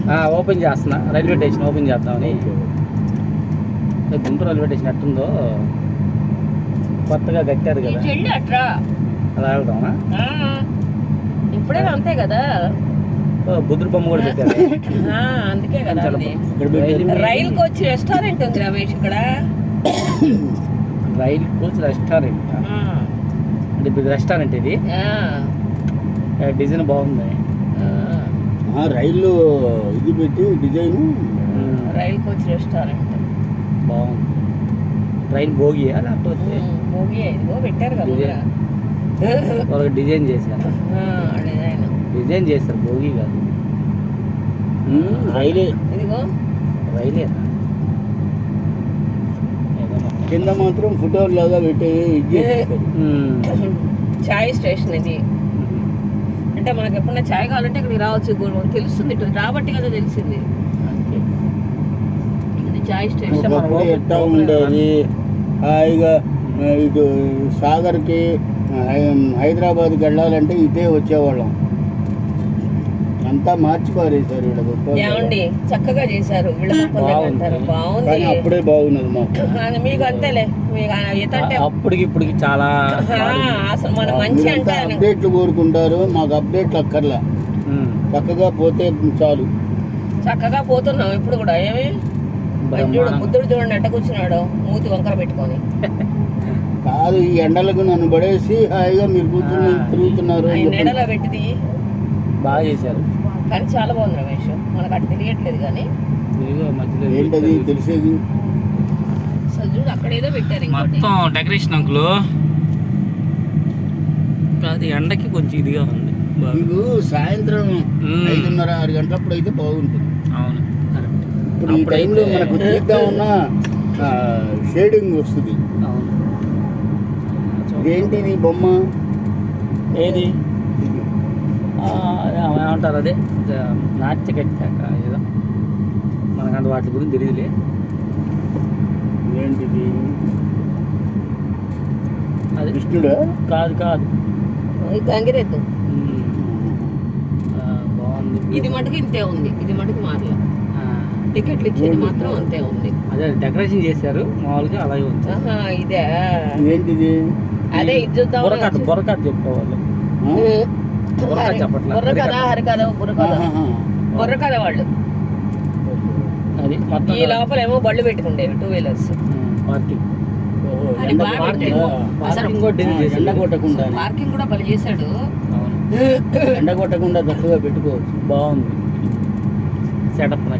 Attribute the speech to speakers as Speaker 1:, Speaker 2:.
Speaker 1: Open చేస్తున్నా, railway station open చేద్దామని. Guntur railway station ఎట్టుందో కొత్తగా కట్టారు కదా, అలా వెళ్దామా?
Speaker 2: ఇప్పుడే అంతే కదా,
Speaker 1: బుద్ధుడు బొమ్మ కూడా పెట్టారు.
Speaker 2: అందుకే కదా. రైల్ కోచ్ రెస్టారెంట్ ఉంది రమేష్ ఇక్కడ.
Speaker 1: రైల్ కోచ్ రెస్టారెంట్ అంటే ఇప్పుడు రెస్టారెంట్ ఇది. డిజైన్ బాగుంది.
Speaker 3: రైలు ఇది పెట్టి డిజైన్.
Speaker 2: రైల్ కోచ్ రెస్టారెంట్
Speaker 1: బాగుంది. ట్రైన్ భోగియా లేకపోతే
Speaker 2: భోగి ఇదిగో పెట్టారు కదా,
Speaker 1: వాళ్ళకి డిజైన్ చేశారు. డిజైన్ చేస్తారు, భోగి కాదు.
Speaker 3: రైలే
Speaker 2: ఇదిగో
Speaker 1: రైలే.
Speaker 3: కింద మాత్రం ఫోటోలు లాగా పెట్టి
Speaker 2: చాయ్ స్టేషన్ ఇది. అంటే మనకి ఎప్పుడైనా చాయ్ కావాలంటే ఇక్కడికి రావచ్చు, తెలుస్తుంది. ఇటు రాబట్టి కదా తెలిసింది. ఇది చాయ్ స్టేషన్.
Speaker 3: ఎట్టా ఉండేది హాయిగా ఇటు సాగర్కి హైదరాబాద్కి వెళ్ళాలంటే ఇదే వచ్చేవాళ్ళం. అంతా మార్చి పారేశారు.
Speaker 2: ఏమండి చక్కగా చేశారు. బాగుంది.
Speaker 3: అప్పుడే బాగున్నది మాకు.
Speaker 2: మీకు అంతేలే,
Speaker 1: అప్పటికి ఇప్పటికి చాలా
Speaker 2: అసలు మన మంచి అంటే
Speaker 3: అప్డేట్లు కోరుకుంటారు, మాకు అప్డేట్లు అక్కర్లా. చక్కగా పోతే చాలు.
Speaker 2: చక్కగా పోతున్నాం ఇప్పుడు కూడా. ఏమి బుద్ధుడు చూడండి ఎట్ట కూర్చున్నాడు, మూతి వంకర పెట్టుకొని.
Speaker 3: కాదు, ఈ ఎండలకు నన్ను పడేసి హాయిగా మీరు కూర్చుని తిరుగుతున్నారు.
Speaker 2: ఎండలో పెట్టింది
Speaker 1: బాగా చేశారు,
Speaker 2: కానీ చాలా బాగుంది రమేష్. మనకు అటు తెలియట్లేదు కానీ
Speaker 3: ఏంటది తెలిసేది.
Speaker 2: అసలు చూడు అక్కడ ఏదో పెట్టారు
Speaker 1: మొత్తం డెకరేషన్ అంకులు. అది ఎండకి కొంచెం ఇదిగా ఉంది.
Speaker 3: మీకు సాయంత్రం 5:30-6 గంటలప్పుడు అయితే బాగుంటుంది.
Speaker 1: అవును,
Speaker 3: ఇప్పుడు ఈ టైంలో మనకు తీద్దామన్నా షేడింగ్ వస్తుంది.
Speaker 1: అవును.
Speaker 3: ఇదేంటి నీ బొమ్మ?
Speaker 1: ఏది ఏమంటారు, అదే నాట్య కట్టాక ఏదో, మనకంటే వాటి గురించి తెలియదులే.
Speaker 3: ఏంటిది?
Speaker 1: అది
Speaker 3: కృష్ణుడా?
Speaker 1: కాదు కాదు,
Speaker 2: గంగిరెద్దు.
Speaker 1: బాగుంది.
Speaker 2: ఇది మటుకు ఇంతే ఉంది, ఇది మటుకు మారల. టికెట్లు ఇచ్చేది మాత్రం అంతే ఉంది.
Speaker 1: అదే డెకరేషన్ చేశారు మామూలుగా, అలాగే ఉంది.
Speaker 2: ఇదే
Speaker 3: ఏంటిది?
Speaker 2: అదే ఇది చూద్దాం.
Speaker 1: బుర్రకథ చెప్పేవాళ్ళు.
Speaker 2: బుర్రకథ, హరికథ, బుర్రకథ వాళ్ళు.
Speaker 1: అది
Speaker 2: ఈ లోపల ఏమో బళ్ళు పెట్టుకుండేవి, 2 వీలర్స్
Speaker 1: పార్కింగ్.
Speaker 3: ఎండ కొట్టకుండా
Speaker 2: పార్కింగ్ కూడా బలి చేశాడు.
Speaker 3: ఎండ కొట్టకుండా చక్కగా పెట్టుకోవచ్చు.
Speaker 1: బాగుంది సెటప్.